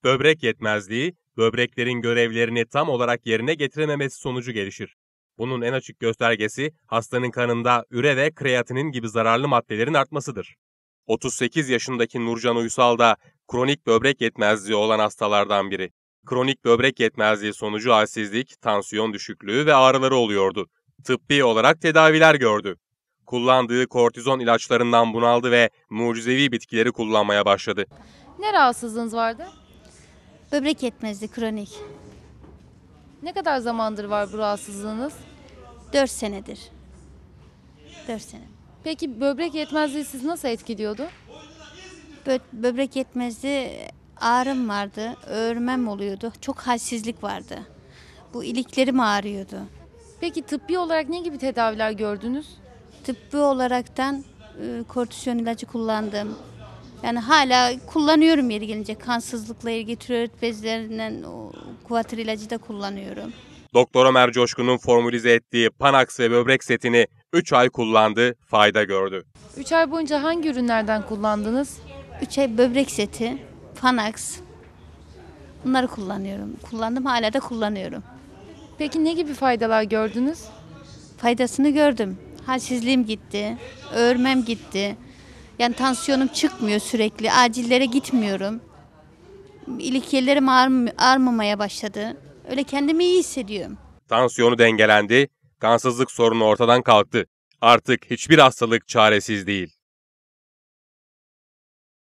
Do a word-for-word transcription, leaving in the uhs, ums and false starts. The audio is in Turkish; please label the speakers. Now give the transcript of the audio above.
Speaker 1: Böbrek yetmezliği, böbreklerin görevlerini tam olarak yerine getirememesi sonucu gelişir. Bunun en açık göstergesi hastanın kanında üre ve kreatinin gibi zararlı maddelerin artmasıdır. otuz sekiz yaşındaki Nurcan Uysal da kronik böbrek yetmezliği olan hastalardan biri. Kronik böbrek yetmezliği sonucu halsizlik, tansiyon düşüklüğü ve ağrıları oluyordu. Tıbbi olarak tedaviler gördü. Kullandığı kortizon ilaçlarından bunaldı ve mucizevi bitkileri kullanmaya başladı.
Speaker 2: Ne rahatsızlığınız vardı?
Speaker 3: Böbrek yetmezliği kronik.
Speaker 2: Ne kadar zamandır var bu rahatsızlığınız?
Speaker 3: dört senedir. dört sene.
Speaker 2: Peki böbrek yetmezliği sizi nasıl etkiliyordu?
Speaker 3: Bö- böbrek yetmezliği ağrım vardı, öğürmem oluyordu. Çok halsizlik vardı. Bu iliklerim ağrıyordu.
Speaker 2: Peki tıbbi olarak ne gibi tedaviler gördünüz?
Speaker 3: Tıbbi olaraktan e, kortizon ilacı kullandım. Yani hala kullanıyorum yeri gelince. Kansızlıkla ilgili tiroid bezlerinden o kuatır ilacı da kullanıyorum.
Speaker 1: Doktor Ömer Coşkun'un formülize ettiği Panax ve böbrek setini üç ay kullandı, fayda gördü.
Speaker 2: üç ay boyunca hangi ürünlerden kullandınız?
Speaker 3: üç ay böbrek seti, Panax. Bunları kullanıyorum. Kullandım, hala da kullanıyorum.
Speaker 2: Peki ne gibi faydalar gördünüz?
Speaker 3: Faydasını gördüm. Halsizliğim gitti, öğürmem gitti. Yani tansiyonum çıkmıyor sürekli, acillere gitmiyorum. İlik yerlerim ağrım- ağrımamaya başladı. Öyle kendimi iyi hissediyorum.
Speaker 1: Tansiyonu dengelendi, kansızlık sorunu ortadan kalktı. Artık hiçbir hastalık çaresiz değil.